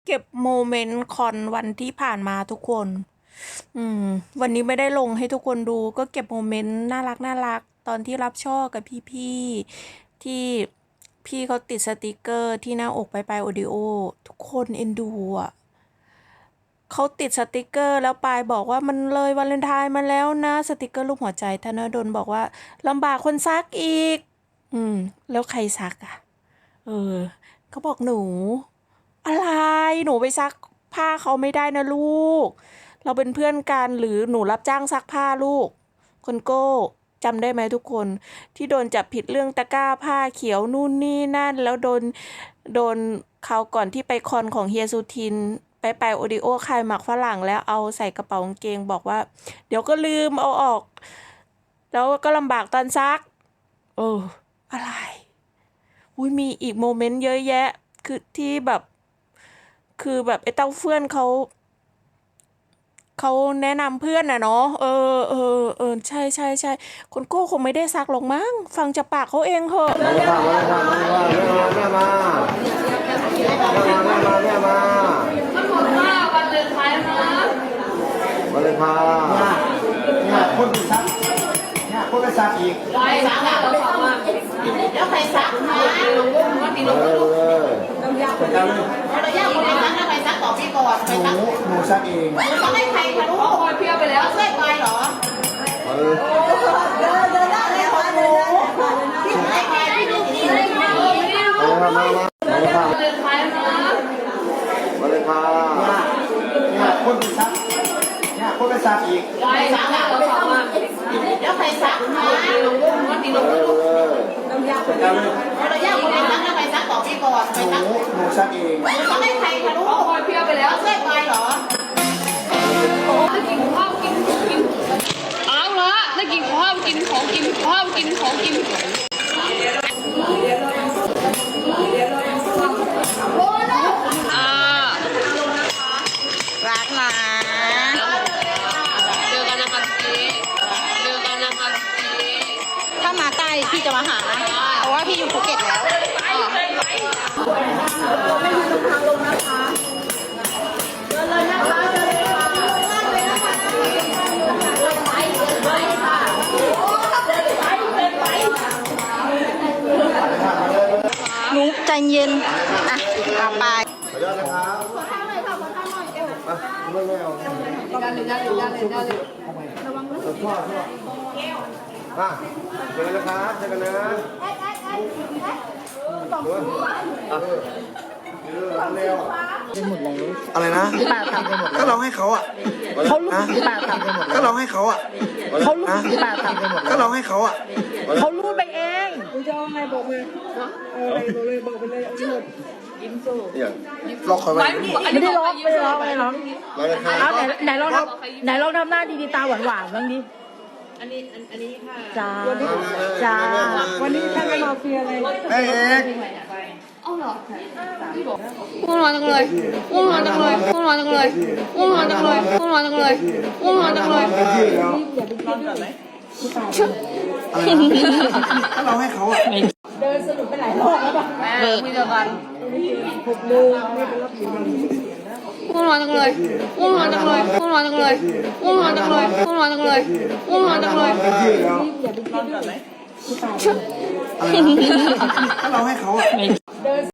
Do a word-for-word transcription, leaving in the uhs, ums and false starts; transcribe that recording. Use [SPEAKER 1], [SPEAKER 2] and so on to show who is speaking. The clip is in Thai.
[SPEAKER 1] เก็บโมเมนต์คอนวันที่ผ่านมาทุกคน อืม วันนี้ไม่ได้ลงให้ทุกคนดู ก็เก็บโมเมนต์น่ารักน่ารักตอนที่รับช่อกับพี่ๆที่พี่เขาติดสติกเกอร์ที่หน้าอกไปไปโอดิโอทุกคนเอ็นดูอ่ะเขาติดสติกเกอร์แล้วปายบอกว่ามันเลยวาเลนไทน์มาแล้วนะสติกเกอร์รูปหัวใจธนดลบอกว่าลำบากคนซักอีก อืม แล้วใครซักอ่ะ เออเขาบอกหนู อะไรหนูไปซักผ้าเขาไม่ได้นะลูก เราเป็นเพื่อนกันหรือหนูรับจ้างซักผ้าลูกคนโก้จำได้ไหมทุกคนที่โดนจับผิดเรื่องตะกร้าผ้าเขียวนู่นนี่นั่นแล้วโดนโดนคราวก่อนที่ไปคอนของเฮียสุทินไปไปโอดิโอคายหมักฝรั่งแล้วเอาใส่กระเป๋ากางเกงบอกว่าเดี๋ยวก็ลืมเอาออกแล้วก็ลำบากตอนซักเอออะไรอุ้ยมีอีกโมเมนต์เยอะแยะคือที่แบบคือแบบไอ้เต้าเฟื่อนเขาเขาแนะนำเพื่อนน่ะเนาะเออเออเออใช่ใช่ใช่คนโก้คงไม่ได้ซักหรอกมั้งฟังจากปากเขาเองเหอะ
[SPEAKER 2] มาค่ะมาค่ะมาแม่มาแม่มาแม่มาแม่มา
[SPEAKER 3] มันหมดว่าวันเลนไทน์นะ
[SPEAKER 2] มาเลยค่ะเนี่ยคนไปซักเนี่ยคนไปซักอีก
[SPEAKER 3] ใครซักอ่ะเราสองอ่ะแล้วใครซักมาลงว่าปีลงลูกเรายากคนเราเรายากคนไหนซักแล้วใครซักต่อพี่ก่อนใครซัก
[SPEAKER 2] หนูหนูซักเอง
[SPEAKER 3] หนูซักให้ใครคะลูกคอยเพี้ยไปแล้วช่วยไปเหรอ
[SPEAKER 2] เออ
[SPEAKER 3] เดินเดินได้เลยค่ะหนูพี่ให้ใครพี่ดูดีเลยค่ะ
[SPEAKER 2] มามามามาเลยค่ะ
[SPEAKER 3] เลนไทน์นะ
[SPEAKER 2] มาเลยค่ะเนี่ยคนไปซักเนี่ยคนไปซักอีก
[SPEAKER 3] ใครซักอ่ะเราสองอ่ะแล้วใครซักมาลงว่าปีลงลูกเรายากคนเรายากคนไหนซักแล้วใครซักต่อพี่ก่อนใครซัก
[SPEAKER 2] หนูหนูซักเอง
[SPEAKER 3] หนูซักให้ใครคะลูกคอยเพี้ยไปแล้วช่วยไปเหรอโอ้จะกินข้าวกินกินเอาละจะกินข้าวกินของกินข้าวกินของกินอ่า
[SPEAKER 1] รักนะ
[SPEAKER 3] เจอกันนะคะพี่เจอกันนะคะพี่
[SPEAKER 1] ถ้ามาใกล้พี่จะมาหาเพราะว่าพี่อยู่ภูเก็ตแล้วไม่ยืนตรงทางลงนะคะเดินเลยนะคะเดินเลยค่ะเลยนะคะเดินไปเดินไปค่ะเดินไปเดินไปหนูใจเย็นอ่ะเอาไป
[SPEAKER 2] ขออนุญาตนะครับขอทางหน่อยค่ะขอทางหน่อยเอวไม่ไม่เอา
[SPEAKER 3] ด้านเลยด้านเลยด้านเลยด้านเลย
[SPEAKER 2] ระวังนะชอบชอบอ่ะเจอกันนะครับเจอกันนะอะไรนะ
[SPEAKER 1] ป้าทำไปหมด
[SPEAKER 2] ก็เราให้เขาอ่ะ
[SPEAKER 1] เขาลูกป้าทำไปหมด
[SPEAKER 2] ก็เราให้เขาอ่ะ
[SPEAKER 1] เขาลูกป้าทำไปหมด
[SPEAKER 2] ก็เราให้เขาอ่ะ
[SPEAKER 1] เขาลูดไปเอง
[SPEAKER 4] คุณจะเอาไงบอกเลยเอาอะไรบอกเลยบอกไปเลยเอาหมด
[SPEAKER 3] ยิ้มสู้
[SPEAKER 2] เนี่ยล็อกเขาไว้
[SPEAKER 1] ไม่ได้ล็อกไม่ได้ล็อกไม่ได้ล็อก
[SPEAKER 2] มาเลยครับ
[SPEAKER 1] เอาไหนไหนลองทำไหนลองทำหน้าดีๆตาหวานหวานบ้างดิ
[SPEAKER 3] อันนี้อันนี้ค่ะ
[SPEAKER 1] จ้าจ้า
[SPEAKER 4] วันนี้ท่านมาเฟียเลย
[SPEAKER 2] เอ๊ะ
[SPEAKER 3] อ้าวเหรอง่วงนอนจังเลยง่วงนอนจังเลยง่วงนอนจังเลยง่วงนอนจังเลยง่วงนอนจังเลยง่วงนอนจังเลย
[SPEAKER 2] ถ้าเราให้เขาอ่ะ
[SPEAKER 4] เดินสนุกไปหลายรอบแล้วป่ะ
[SPEAKER 3] เออคุยกัน
[SPEAKER 4] หกโมงไม่เป็นรับผิด
[SPEAKER 3] ง่วงนอนจังเลยง่วงนอนจังเลยง่วงนอนจังเลยง่วงนอนจังเลยง่วงนอนจังเลยง่วงนอนจังเลย
[SPEAKER 4] อย่าไปคิดด้วย
[SPEAKER 2] ถ้าเราให้เขาอ่ะ